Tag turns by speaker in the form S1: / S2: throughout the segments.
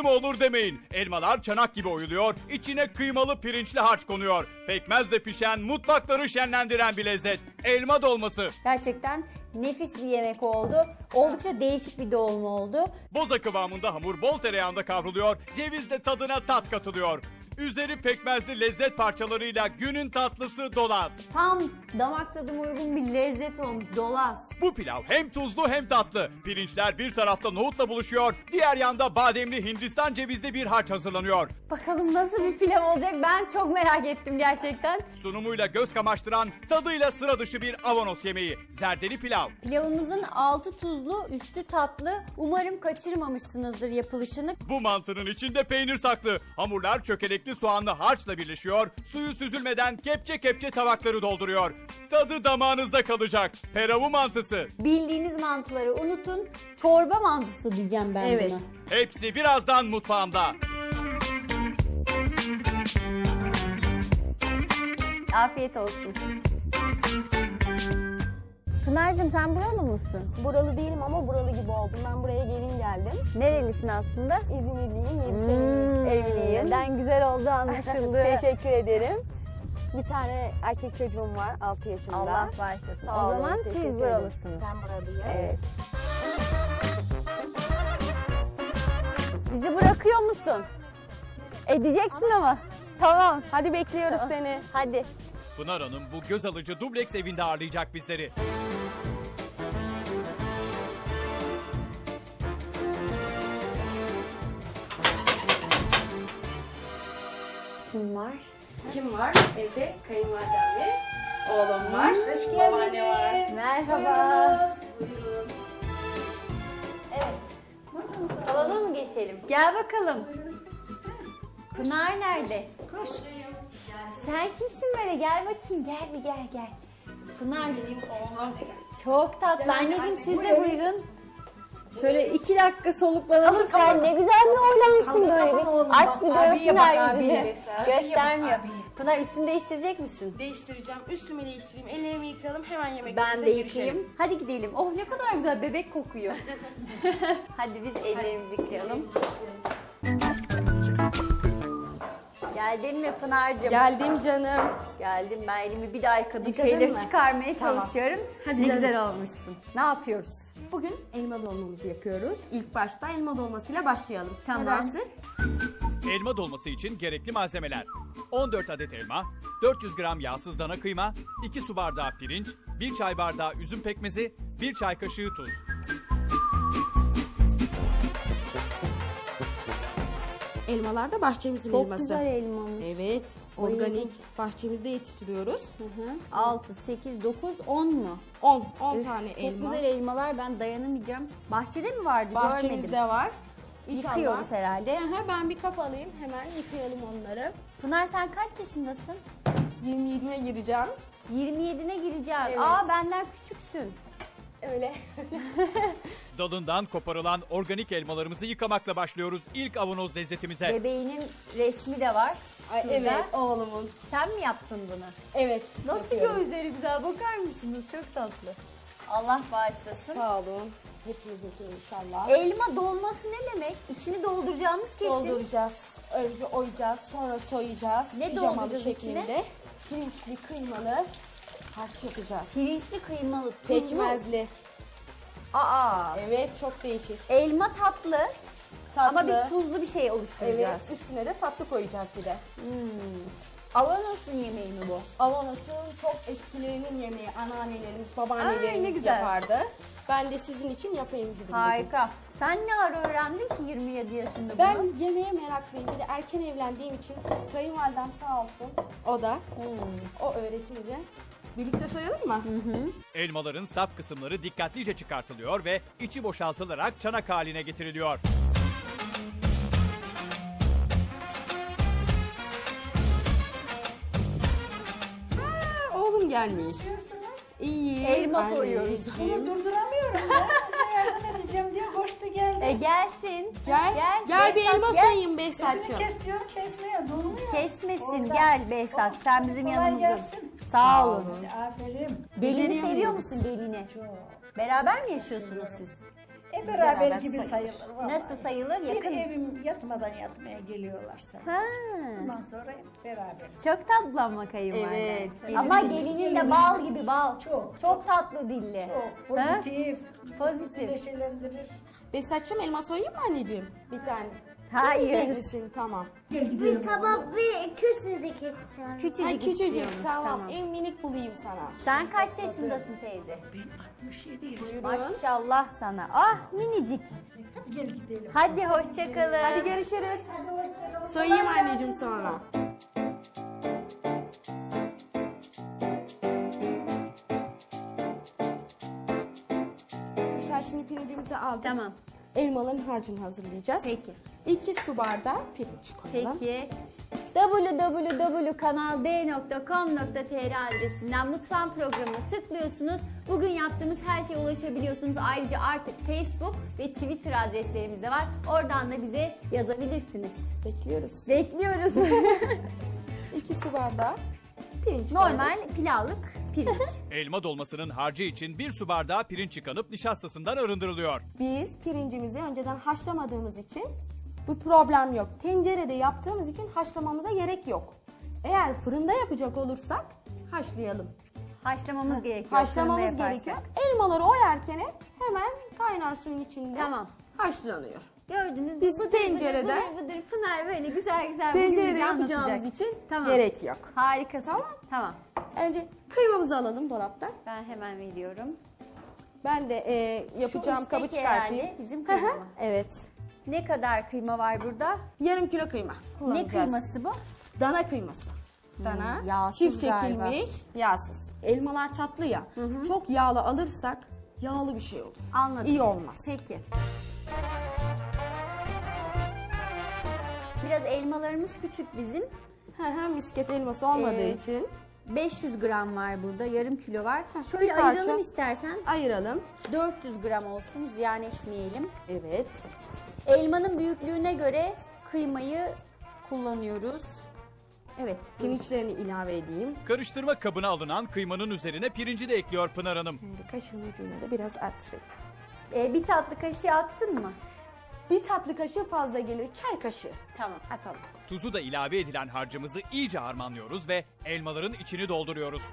S1: tatlı mı olur demeyin. Elmalar çanak gibi oyuluyor, içine kıymalı pirinçli harç konuyor. Pekmezle pişen, mutfakları şenlendiren bir lezzet. Elma dolması.
S2: Gerçekten nefis bir yemek oldu. Oldukça değişik bir dolma oldu.
S1: Boza kıvamında hamur bol tereyağında kavruluyor, cevizle tadına tat katılıyor. Üzeri pekmezli lezzet parçalarıyla günün tatlısı dolaz.
S2: Tam damak tadıma uygun bir lezzet olmuş, dolaz.
S1: Bu pilav hem tuzlu hem tatlı. Pirinçler bir tarafta nohutla buluşuyor, diğer yanda bademli Hindistan cevizli bir harç hazırlanıyor.
S2: Bakalım nasıl bir pilav olacak, ben çok merak ettim gerçekten.
S1: Sunumuyla göz kamaştıran, tadıyla sıra dışı bir avanos yemeği. Zerdeli pilav.
S2: Pilavımızın altı tuzlu, üstü tatlı. Umarım kaçırmamışsınızdır yapılışını.
S1: Bu mantının içinde peynir saklı. Hamurlar çökelekli soğanlı harçla birleşiyor. Suyu süzülmeden kepçe kepçe tabakları dolduruyor. Tadı damağınızda kalacak. Peravu mantısı.
S2: Bildiğiniz mantıları unutun. Çorba mantısı diyeceğim ben
S3: Evet.
S2: buna.
S1: Hepsi birazdan mutfağımda.
S2: Afiyet olsun. Pınar'cığım sen buralı mısın?
S3: Buralı değilim ama buralı gibi oldum. Ben buraya gelin geldim.
S2: Nerelisin aslında?
S3: İzmirliyim, 7 senelik evliyim.
S2: Neden güzel oldu anlaşıldı.
S3: Teşekkür ederim. Bir tane erkek çocuğum var 6 yaşında.
S2: Allah bağışlasın.
S3: Sağ
S2: O
S3: olun,
S2: zaman
S3: teşekkür
S2: siz
S3: ederim.
S2: buralısınız.
S3: Ben buralıyım.
S2: Evet. Bizi bırakıyor musun? Edeceksin ama. Tamam.
S3: Hadi bekliyoruz seni.
S2: Hadi.
S1: Pınar Hanım bu göz alıcı dubleks evinde ağırlayacak bizleri.
S2: Kim var?
S3: Kim var? Evde kayınvalidem ve oğlum var. Hoş babaanne var.
S2: Merhaba.
S3: Buyurun.
S2: Salona mı geçelim? Gel bakalım. Pınar nerede?
S3: Koş.
S2: Sen kimsin böyle? Gel bakayım. Gel bir gel. Pınar
S3: Benim oğlum.
S2: çok tatlı. Anneciğim siz de buyurun. Şöyle 2 dakika soluklanalım. Sen ne güzel mi oynamışsın böyle bir. Aç bir görsünler yüzünü. Göstermiyor. Pınar üstünü değiştirecek misin?
S3: Değiştireceğim. Üstümü değiştireyim. Ellerimi yıkayalım. Hemen yemek
S2: Ben de yıkayayım. Hadi gidelim. Oh ne kadar güzel bebek kokuyor. Hadi biz ellerimizi yıkayalım. Geldin mi Pınar'cığım?
S3: Geldim canım.
S2: Geldim, ben elimi bir daha yıkadım.
S3: Yıkadın
S2: Şeyleri
S3: mı?
S2: çıkarmaya
S3: Tamam.
S2: çalışıyorum.
S3: Hadi
S2: ne
S3: canım.
S2: güzel olmuşsun. Ne yapıyoruz?
S3: Bugün elma dolmamızı yapıyoruz. İlk başta elma dolmasıyla başlayalım.
S2: Tamam.
S3: Ne dersin?
S1: Elma dolması için gerekli malzemeler: 14 adet elma, 400 gram yağsız dana kıyma, 2 su bardağı pirinç, 1 çay bardağı üzüm pekmezi, 1 çay kaşığı tuz.
S3: Elmalar da bahçemizin
S2: Çok
S3: elması.
S2: güzel elmamış.
S3: Evet, organik bahçemizde yetiştiriyoruz.
S2: 6, 8, 9, 10 mu?
S3: 10
S2: Üf,
S3: tane
S2: çok
S3: elma.
S2: güzel elmalar, ben dayanamayacağım. Bahçede mi vardı?
S3: Bahçemizde
S2: Görmedim.
S3: var. İnşallah.
S2: Yıkıyoruz herhalde.
S3: Aha, ben bir kap alayım, hemen yıkayalım onları.
S2: Pınar sen kaç yaşındasın?
S3: 27'ime gireceğim.
S2: 27'ne gireceğim.
S3: Evet.
S2: Aa benden küçüksün.
S3: Öyle.
S1: Dalından koparılan organik elmalarımızı yıkamakla başlıyoruz ilk avanoz lezzetimize.
S2: Bebeğinin resmi de var.
S3: Ay,
S2: şurada.
S3: evet, oğlumun.
S2: Sen mi yaptın bunu?
S3: Evet.
S2: Nasıl
S3: yapıyorum.
S2: gözleri güzel, bakar mısınız? Çok tatlı. Allah bağışlasın.
S3: Sağ olun. Hepinizinki inşallah.
S2: Elma dolması ne demek? İçini dolduracağımız kesin.
S3: Dolduracağız. Önce oyacağız, sonra soyacağız.
S2: Ne
S3: Pijamalı
S2: dolduracağız
S3: şeklinde.
S2: içine?
S3: Pirinçli, kıymalı harç yapacağız.
S2: Pirinçli kıymalı, tuzlu.
S3: Pekmezli.
S2: Aa.
S3: Evet, çok değişik.
S2: Elma tatlı,
S3: Tatlı.
S2: ama biz tuzlu bir şey
S3: Evet,
S2: oluşturacağız.
S3: üstüne de tatlı koyacağız bir de.
S2: Avanos'un yemeği mi bu?
S3: Avanos'un çok eskilerinin yemeği, anneannelerimiz,
S2: Ay, ne
S3: babaannelerimiz
S2: güzel.
S3: yapardı. Ben de sizin için yapayım dedim. bugün.
S2: Harika. Sen ne ara öğrendin ki 27 yaşında bunu?
S3: Ben yemeğe meraklıyım. Bir de erken evlendiğim için kayınvalidem sağ olsun. O da. O öğretince. Birlikte soyalım mı?
S1: Elmaların sap kısımları dikkatlice çıkartılıyor ve içi boşaltılarak çanak haline getiriliyor.
S3: Oğlum gelmiş. İyi.
S2: Elma soyuyoruz.
S4: Bunu durduramıyorum ya. Size yardım edeceğim diye koştu geldi.
S2: Gelsin.
S3: Gel bir
S2: Behzat,
S3: elma
S2: gel.
S3: soyayım
S4: Sesini
S3: Behzatçığım.
S4: kes diyor, kesmiyor, durmuyor.
S2: Kesmesin.
S4: Orada.
S2: Gel Behzat. Sen bizim
S4: Kolay
S2: yanımızda.
S4: gelsin.
S2: Sağ olun.
S4: Aferin.
S2: Gelini
S3: Beceriyor
S2: seviyor
S3: muyuz?
S2: musun gelini? Beraber mi yaşıyorsunuz siz?
S4: Beraber gibi
S3: sayılır.
S4: sayılır. vallahi.
S2: Nasıl sayılır?
S4: Bir
S2: Yakın.
S4: evim yatmadan yatmaya geliyorlarsa.
S2: Ha.
S4: Ondan sonra hep beraber.
S2: Çok tatlı ama kayınvalide.
S3: Evet,
S2: Ama gelinin de bal gibi bal.
S4: Çok.
S2: Çok tatlı dilli.
S4: Çok
S2: Ha?
S4: pozitif.
S2: Pozitif.
S4: Neşelendirir.
S3: Ve saçım elma soyayım mı anneciğim? Bir tane.
S2: Hayır.
S3: Yiyecek misin? Tamam.
S4: Gel gidelim.
S5: Tamam bir küçücük istiyorum.
S2: Küçücük,
S3: Ha, küçücük.
S2: istiyormuş,
S3: Tamam. En minik bulayım sana.
S2: Sen kaç yaşındasın teyze?
S4: Ben 67 yaşındayım.
S2: Maşallah sana. Ah minicik.
S4: Gel gidelim.
S2: Hadi hoşça kalın.
S3: Hadi görüşürüz.
S4: Hadi hoşçakalın.
S3: Soyayım anneciğim sonra. Sen şimdi pirincimizi aldık.
S2: Tamam.
S3: Elmaların harcını hazırlayacağız.
S2: Peki.
S3: 2 su bardağı pirinç koyalım.
S2: Peki. www.kanald.com.tr adresinden mutfağın programına tıklıyorsunuz. Bugün yaptığımız her şeye ulaşabiliyorsunuz. Ayrıca artık Facebook ve Twitter adreslerimiz de var. Oradan da bize yazabilirsiniz.
S3: Bekliyoruz.
S2: Bekliyoruz.
S3: 2 su bardağı pirinç koyalım.
S2: Normal pilavlık pirinç.
S1: Elma dolmasının harcı için 1 su bardağı pirinç yıkanıp nişastasından arındırılıyor.
S3: Biz pirincimizi önceden haşlamadığımız için bu problem yok. Tencerede yaptığımız için haşlamamıza gerek yok. Eğer fırında yapacak olursak haşlayalım.
S2: Haşlamamız gerekiyor.
S3: Haşlamamız
S2: fırında yaparsak.
S3: gerekiyor. Elmaları oyarken hemen kaynar suyun içinde
S2: Tamam.
S3: haşlanıyor.
S2: Gördünüz mü?
S3: Biz
S2: Bıdır
S3: tencerede-
S2: bıdır bıdır Pınar böyle güzel güzel bugün
S3: Tencerede
S2: bize
S3: yapacağımız
S2: anlatacak.
S3: için
S2: Tamam.
S3: gerek yok.
S2: Harikasın.
S3: Tamam.
S2: Tamam.
S3: Önce kıymamızı alalım dolaptan.
S2: Ben hemen veriyorum.
S3: Ben de yapacağım
S2: Şu
S3: kabı
S2: üstteki
S3: çıkartayım.
S2: herhalde bizim kıyma mı?
S3: Evet.
S2: Ne kadar kıyma var burada?
S3: Yarım kilo kıyma
S2: Ne
S3: kullanacağız.
S2: kıyması bu?
S3: Dana kıyması. Dana,
S2: yağsız
S3: çift
S2: galiba.
S3: çekilmiş, yağsız. Elmalar tatlı ya. Çok yağlı alırsak yağlı bir şey olur.
S2: Anladım.
S3: İyi olmaz.
S2: Peki. Biraz elmalarımız küçük bizim.
S3: Misket elması olmadığı
S2: Ee,
S3: için
S2: 500 gram var burada, yarım kilo var. Şöyle
S3: bir parça.
S2: ayıralım istersen.
S3: ayıralım.
S2: 400 gram olsun, ziyan etmeyelim.
S3: Evet.
S2: Elmanın büyüklüğüne göre kıymayı kullanıyoruz. Evet.
S3: Pirinçlerini ilave edeyim.
S1: Karıştırma kabına alınan kıymanın üzerine pirinci de ekliyor Pınar Hanım.
S3: Şimdi kaşığın ucuna da biraz arttırayım.
S2: Bir tatlı kaşığı attın mı?
S3: Bir tatlı kaşığı fazla gelir. Çay kaşığı.
S2: Tamam.
S3: Atalım.
S1: Tuzu da ilave edilen harcımızı iyice harmanlıyoruz ve elmaların içini dolduruyoruz.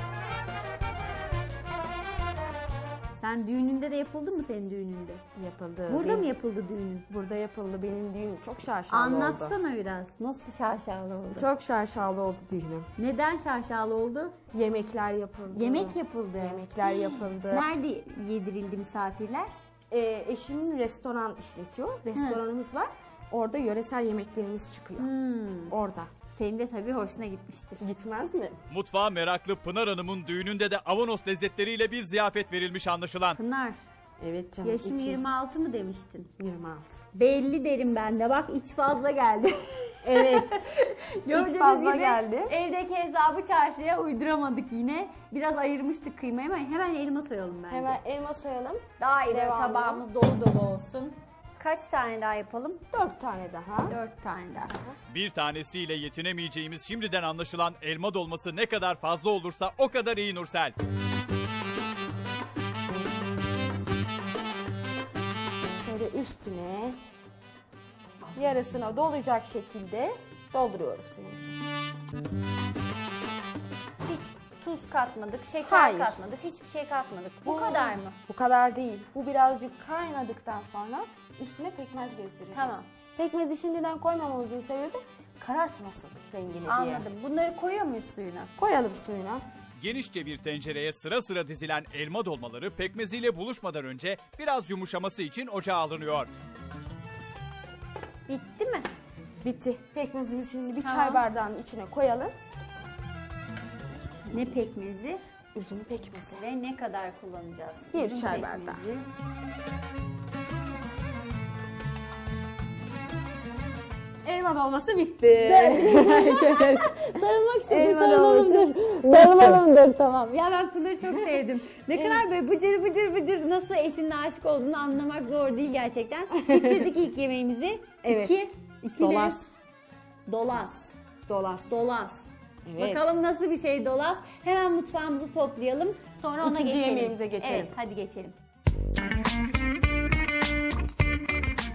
S2: Sen düğününde de yapıldı mı senin düğününde?
S3: Yapıldı.
S2: Burada mı yapıldı düğünün?
S3: Burada yapıldı. Benim düğünüm çok şaşalı oldu.
S2: Anlatsana biraz. Nasıl şaşalı oldu?
S3: Çok şaşalı oldu düğünüm.
S2: Neden şaşalı oldu?
S3: Yemekler yapıldı.
S2: Yemek yapıldı.
S3: Yemekler yapıldı.
S2: Nerede yedirildi misafirler?
S3: Eşim restoran işletiyor. Restoranımız var. Orada yöresel yemeklerimiz çıkıyor. Orada.
S2: Senin de tabii hoşuna gitmiştir.
S3: Gitmez mi?
S1: Mutfağa meraklı Pınar Hanım'ın düğününde de avanos lezzetleriyle bir ziyafet verilmiş anlaşılan.
S2: Pınar,
S3: Evet canım.
S2: yaşım
S3: içiniz-
S2: 26 mı demiştin?
S3: 26.
S2: Belli derim ben de. Bak iç fazla geldi.
S3: Evet.
S2: Gördüğünüz
S3: fazla
S2: gibi
S3: geldi.
S2: Evdeki hesabı çarşıya uyduramadık yine. Biraz ayırmıştık kıymayı ama hemen elma soyalım bence.
S3: Hemen elma soyalım.
S2: Daire
S3: Devamlı.
S2: tabağımız dolu dolu olsun. Kaç tane daha yapalım?
S3: 4 tane daha.
S2: 4 tane daha.
S1: Bir tanesiyle yetinemeyeceğimiz şimdiden anlaşılan elma dolması ne kadar fazla olursa o kadar iyi Nursel.
S3: Şöyle üstüne yarısına dolacak şekilde dolduruyoruz suyumuzu.
S2: Hiç tuz katmadık, şeker
S3: Hayır.
S2: katmadık, hiçbir şey katmadık. Bu kadar mı?
S3: Bu kadar değil. Bu birazcık kaynadıktan sonra üstüne pekmez gezdireceğiz.
S2: Tamam.
S3: Pekmezi şimdiden koymamamızın sebebi karartmasın rengini diye.
S2: Anladım. Bunları koyuyor muyuz suyuna?
S3: Koyalım suyuna.
S1: Genişçe bir tencereye sıra sıra dizilen elma dolmaları pekmeziyle buluşmadan önce biraz yumuşaması için ocağa alınıyor.
S2: Bitti mi?
S3: Bitti. Pekmezimizi şimdi bir
S2: Tamam.
S3: çay bardağının içine koyalım.
S2: Ne pekmezi
S3: Üzüm pekmezi.
S2: ve ne kadar kullanacağız?
S3: Bir
S2: Üzüm
S3: çay
S2: pekmezi.
S3: bardağı. Elma dolması bitti.
S2: Sarılmak istedim.
S3: Elma
S2: Sarılalımdır. Sarılalımdır tamam. Ya ben Pınar'ı çok sevdim. Ne kadar böyle bıcır bıcır bıcır nasıl eşinle aşık olduğunu anlamak zor değil gerçekten. Bitirdik ilk yemeğimizi.
S3: Evet.
S2: İki ne?
S3: Dolas.
S2: Dolas.
S3: Dolas.
S2: Dolas.
S3: Evet.
S2: Bakalım nasıl bir şey dolas. Hemen mutfağımızı toplayalım. Sonra ona
S3: İkinci
S2: geçelim.
S3: yemeğimize geçelim.
S2: Evet hadi geçelim.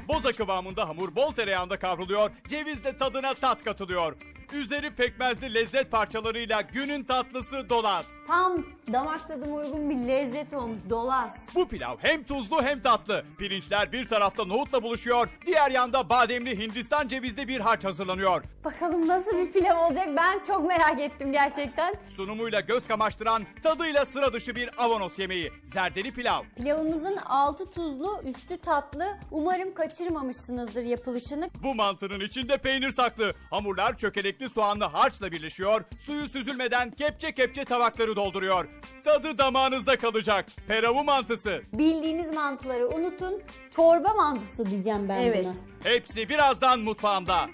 S1: Boza kıvamında hamur bol tereyağında kavruluyor, cevizle tadına tat katılıyor. Üzeri pekmezli lezzet parçalarıyla günün tatlısı dolaz.
S2: Tam damak tadıma uygun bir lezzet olmuş dolaz.
S1: Bu pilav hem tuzlu hem tatlı. Pirinçler bir tarafta nohutla buluşuyor, diğer yanda bademli Hindistan cevizli bir harç hazırlanıyor.
S2: Bakalım nasıl bir pilav olacak, ben çok merak ettim gerçekten.
S1: Sunumuyla göz kamaştıran, tadıyla sıra dışı bir avanos yemeği. Zerdeli pilav.
S2: Pilavımızın altı tuzlu, üstü tatlı. Umarım kaçırmamışsınızdır yapılışını.
S1: Bu mantının içinde peynir saklı. Hamurlar çökelekli soğanlı harçla birleşiyor. Suyu süzülmeden kepçe kepçe tabakları dolduruyor. Tadı damağınızda kalacak. Peravu mantısı.
S2: Bildiğiniz mantıları unutun. Çorba mantısı diyeceğim ben
S3: Evet.
S2: buna.
S1: Hepsi birazdan mutfağımda.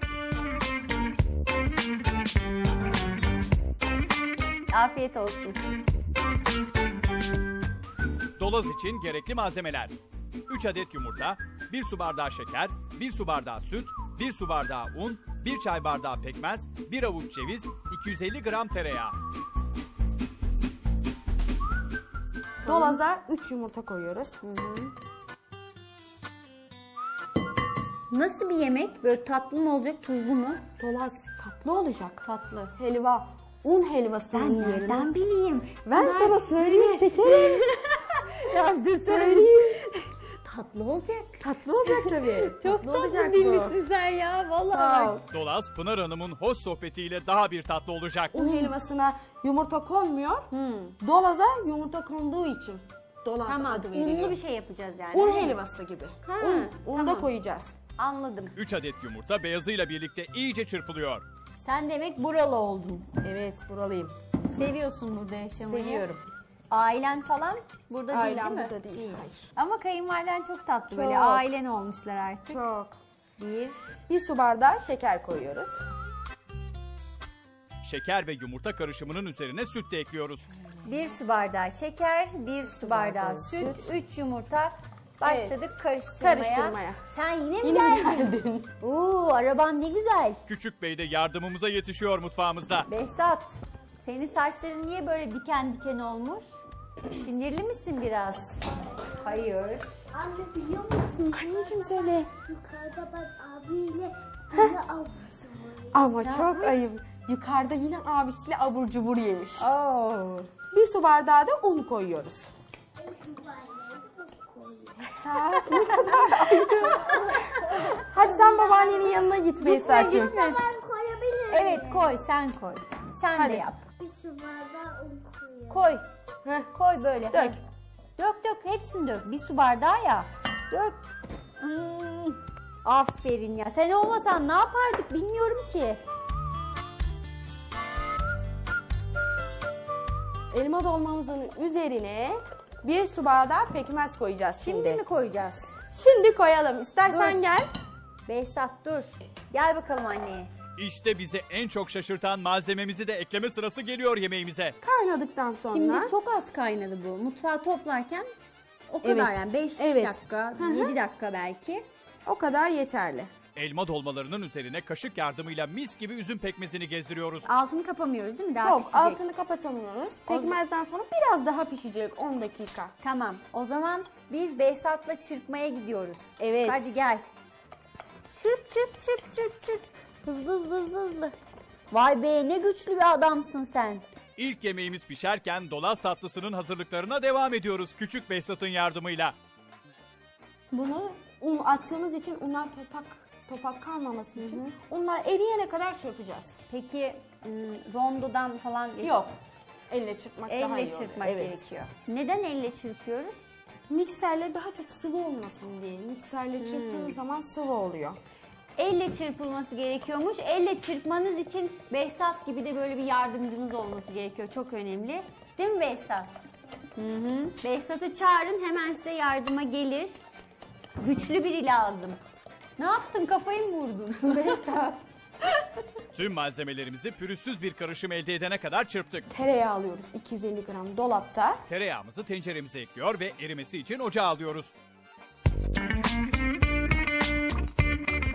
S2: Afiyet olsun.
S1: Dolaz için gerekli malzemeler: 3 adet yumurta, 1 su bardağı şeker, 1 su bardağı süt, 1 su bardağı un, 1 çay bardağı pekmez, 1 avuç ceviz, 250 gram tereyağı.
S3: Dolaza 3 yumurta koyuyoruz.
S2: Nasıl bir yemek? Böyle tatlı mı olacak, tuzlu mu?
S3: Dolaz tatlı olacak.
S2: Tatlı.
S3: Helva. Un helvasının yerine.
S2: Nereden bileyim?
S3: Ben sana söyleyeyim şekerim.
S2: Ya dur söyleyeyim. Tatlı olacak.
S3: Tatlı olacak tabii.
S2: Çok
S3: tatlı olacak
S2: tatlı bilmişsin sen ya. Vallahi.
S3: Sağ ol.
S1: Dolaz, Pınar Hanım'ın hoş sohbetiyle daha bir tatlı olacak.
S3: Un helvasına yumurta konmuyor. Dolaza yumurta konduğu için dolaz
S2: Tamam,
S3: adı veriliyor.
S2: unlu bir şey yapacağız yani.
S3: Un
S2: değil mi?
S3: helvası gibi.
S2: Ha,
S3: Un da
S2: tamam.
S3: koyacağız.
S2: Anladım.
S1: 3 adet yumurta beyazıyla birlikte iyice çırpılıyor.
S2: Sen demek buralı oldun.
S3: Evet, buralıyım.
S2: Seviyorsun burada yaşamayı.
S3: Seviyorum.
S2: Ailen falan burada
S3: Ailem
S2: değil mi?
S3: burada değil. Hayır.
S2: Ama kayınvaliden çok tatlı böyle.
S3: Çok.
S2: Ailen olmuşlar artık.
S3: Çok.
S2: Bir.
S3: 1 su bardağı şeker koyuyoruz.
S1: Şeker ve yumurta karışımının üzerine süt de ekliyoruz.
S2: 1 su bardağı şeker, 1 su bardağı süt, 3 yumurta. Başladık karıştırmaya.
S3: Karıştırmaya.
S2: Sen yine mi
S3: Yine
S2: geldin?
S3: geldin.
S2: Oo, araban ne güzel.
S1: Küçük Bey de yardımımıza yetişiyor mutfağımızda.
S2: Behzat, senin saçların niye böyle diken diken olmuş? Sinirli misin biraz? Hayır.
S5: Anne biliyor musun?
S3: Anneciğim söyle.
S5: Yukarıda ben abiyle yine avlusu var.
S3: Ama çok
S2: yapmış?
S3: ayıp. Yukarıda yine abisiyle abur cubur yemiş.
S2: Oo.
S3: 1 su bardağı da un koyuyoruz. Esat ne kadar ayıp. Hadi sen babaannenin yanına git Behzat'cığım.
S5: Ben koyabilirim.
S2: Evet koy, sen koy. Sen
S3: Hadi.
S2: de yap.
S5: Bir su bardağı un koyuyorum.
S2: Koy.
S3: Heh.
S2: Koy böyle.
S3: Dök.
S2: Hadi. Dök hepsini dök. 1 su bardağı ya. Dök. Aferin ya. Sen olmasan ne yapardık bilmiyorum ki.
S3: Elma dolmamızın üzerine 1 su bardağı pekmez koyacağız şimdi.
S2: Şimdi mi koyacağız?
S3: Şimdi koyalım. İstersen
S2: Dur.
S3: gel.
S2: Behzat dur. Gel bakalım anneye.
S1: İşte bizi en çok şaşırtan malzememizi de ekleme sırası geliyor yemeğimize.
S3: Kaynadıktan sonra.
S2: Şimdi çok az kaynadı bu. Mutfağı toplarken o kadar
S3: Evet.
S2: yani 5
S3: Evet.
S2: dakika, 7 dakika belki.
S3: O kadar yeterli.
S1: Elma dolmalarının üzerine kaşık yardımıyla mis gibi üzüm pekmezini gezdiriyoruz.
S2: Altını kapamıyoruz değil mi? Daha
S3: Yok,
S2: pişecek.
S3: altını kapatamıyoruz. Pekmezden sonra biraz daha pişecek 10 dakika.
S2: Tamam. O zaman biz Behzat'la çırpmaya gidiyoruz.
S3: Evet.
S2: Hadi gel. Çırp çırp çırp çırp çırp. Hızlı hızlı hızlı hızlı. Vay be ne güçlü bir adamsın sen.
S1: İlk yemeğimiz pişerken dolaz tatlısının hazırlıklarına devam ediyoruz küçük Behzat'ın yardımıyla.
S3: Bunu un attığımız için unlar topak kalmaması için unlar eriyene kadar çırpacağız.
S2: Peki rondodan falan geç.
S3: Yok. Elle çırpmak daha iyi
S2: Elle
S3: oluyor.
S2: çırpmak
S3: Evet.
S2: gerekiyor. Neden elle çırpıyoruz?
S3: Mikserle daha çok sıvı olmasın diye. Mikserle çırptığınız zaman sıvı oluyor.
S2: Elle çırpılması gerekiyormuş. Elle çırpmanız için Behzat gibi de böyle bir yardımcınız olması gerekiyor. Çok önemli. Değil mi Behzat? Behzat'ı çağırın hemen size yardıma gelir. Güçlü biri lazım. Ne yaptın? Kafayı mı vurdun? Behzat.
S1: Tüm malzemelerimizi pürüzsüz bir karışım elde edene kadar çırptık.
S3: Tereyağı alıyoruz 250 gram dolapta.
S1: Tereyağımızı tenceremize ekliyor ve erimesi için ocağa alıyoruz.